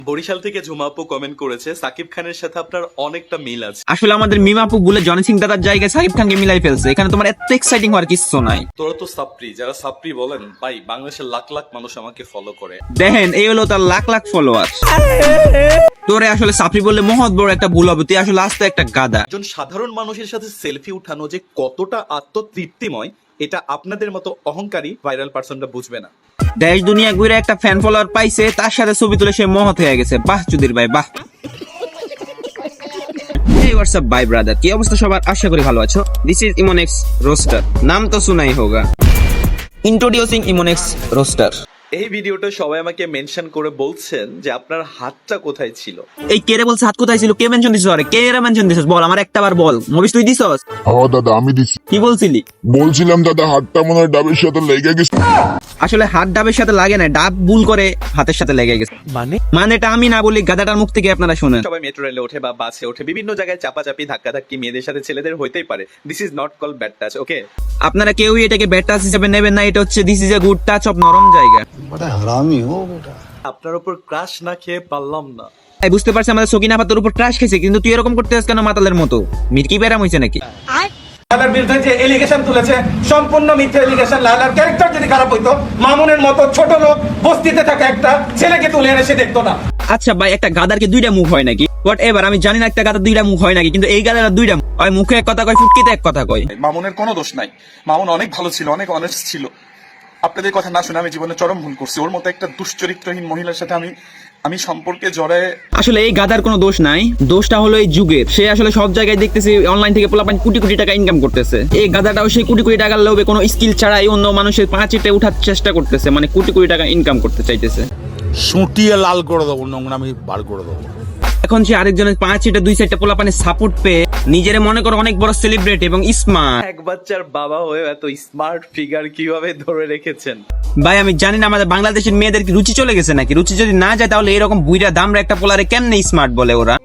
বরিশাল থেকে ঝুমা আপু কমেন্ট করেছে সাকিব খানের সাথে আপনার অনেকটা মিল আছে। আসলে আমাদের মিমা আপু বলে জনি সিং দাদার জায়গায় সাকিব খানকে মিলাই ফেলছে। এখানে তোমার এত এক্সাইটিং হওয়ার কিছু নাই। তোরা তো সাপ্রি, যারা সাপ্রি বলেন ভাই, বাংলাদেশের লাখ লাখ মানুষ আমাকে ফলো করে। দেখেন এই হলো তার লাখ লাখ ফলোয়ার। তোরে আসলে সাপ্রি বললে মহৎ বড় একটা ভুল হবে, তুই আসলে আস্তে একটা গাদা। একজন সাধারণ মানুষের সাথে সেলফি উঠানো যে কতটা আত্মতৃপ্তিময়, এটা আপনাদের মতো অহংকারী ভাইরাল পার্সনটা বুঝবে না। দেশ দুনিয়া ঘুরে একটা ফ্যান ফলোয়ার পাইছে, তার সাথে ছবি তুলে সে মহৎ হয়ে গেছে। বাহ চুদির ভাই বাহ। Hey what's up bye brother, কি অবস্থা সবার? আশা করি ভালো আছো। This is Imonex Roaster, নাম তো শুনাই হোগা। Introducing Imonex Roaster। এই ভিডিওটা সবাই আমাকে মেনশন করে বলছেন যে আপনার হাতটা কোথায় ছিল। এই কে রে বলছে হাত কোথায় ছিল? কে মেনশন দিছিস? আরে কে রে মেনশন দিছিস? বল আমার একটা বার বল। মবিস তুই দিছস? হ্যাঁ দাদা আমি দিছি। কি বলছিলি? বলছিলাম দাদা হাতটা মনে হয় ডাবের সাথে লেগে গেছে। আসলে হাত ডাবের সাথে লাগে না, ডাব ভুল করে হাতের সাথে লেগে গেছে। মানেটা আমি না বলি, গাদাটার মুখ থেকে আপনারা শুনেন। সবাই মেট্রো রেলে ওঠে বা বাসে ওঠে, বিভিন্ন জায়গায় চাপাচাপি ধাক্কাধাক্কি মেয়েদের সাথে ছেলেদের হইতেই পারে। This is not call bad touch, okay? আপনারা কেউই এটাকে ব্যাড টাচ হিসেবে নেবেন না। এটা হচ্ছে this is a good touch of নরম জায়গা। बड़ा हरामी हो बेटा। আপনার উপর ক্রাশ না খেয়ে পারলাম না। এই বুঝতে পারছি আমাদের সকিনা আপা তোর উপর ট্রাশ খেয়েছে, কিন্তু তুই এরকম করতে আসছিস কেন মাতালের মতো? মির্কি ব্যারাম হইছে নাকি? লালার বিরুদ্ধে যে এলিগেশন তুলেছে সম্পূর্ণ মিথ্যা এলিগেশন। লালার ক্যারেক্টার যদি খারাপ হইতো, মামুনের মতো ছোট লোক বস্তিতে থাকা একটা ছেলেকে তুলে এনে সে দেখতো না। আচ্ছা ভাই, একটা গাদার কি দুইটা মুখ হয় নাকি? হোয়াট এভার, আমি জানি না একটা গাদার দুইটা মুখ হয় নাকি, কিন্তু এই গাদার দুইটা মুখ হয়। মুখে এক কথা কয়, ফুটকিতে এক কথা কয়। মামুনের কোনো দোষ নাই। মামুন অনেক ভালো ছিল, অনেক অনেস্ট ছিল। আপনাদের কথা না শুনে আমি জীবনে চরম ভুল করছি। ওর মতো একটা দুশ্চরিত্রহীন মহিলার সাথে আমি সম্পর্কে জড়ায়। আসলে এই গাদার কোনো দোষ নাই, দোষটা হলো এই যুগের। সে আসলে সব জায়গায় দেখতেছি অনলাইন থেকে পোলাপান কোটি কোটি টাকা ইনকাম করতেছে। এই গাদাটাও সেই কোটি কোটি টাকার লোভে কোনো স্কিল ছাড়াই অন্য মানুষের পাঁচিটে উঠার চেষ্টা করতেছে, মানে কোটি কোটি টাকা ইনকাম করতে চাইতেছে। সুটিয়ে লাল করে দেবো, নোংরামি বার করে দেবো। এখন সে আরেকজনের পাঁচিটে দুই সাইডটা পোলাপানের সাপোর্ট পেয়ে নিজের মনে করো অনেক বড় সেলিব্রিটি এবং স্মার্ট। এক বাচ্চার বাবা হয়ে এত স্মার্ট ফিগার কিভাবে ধরে রেখেছেন? ভাই আমি জানি না আমাদের বাংলাদেশের মেয়েদের কি রুচি চলে গেছে নাকি? রুচি যদি না যায় তাহলে এরকম বুইরা দামরা একটা পোলারে কেমনে স্মার্ট বলে ওরা?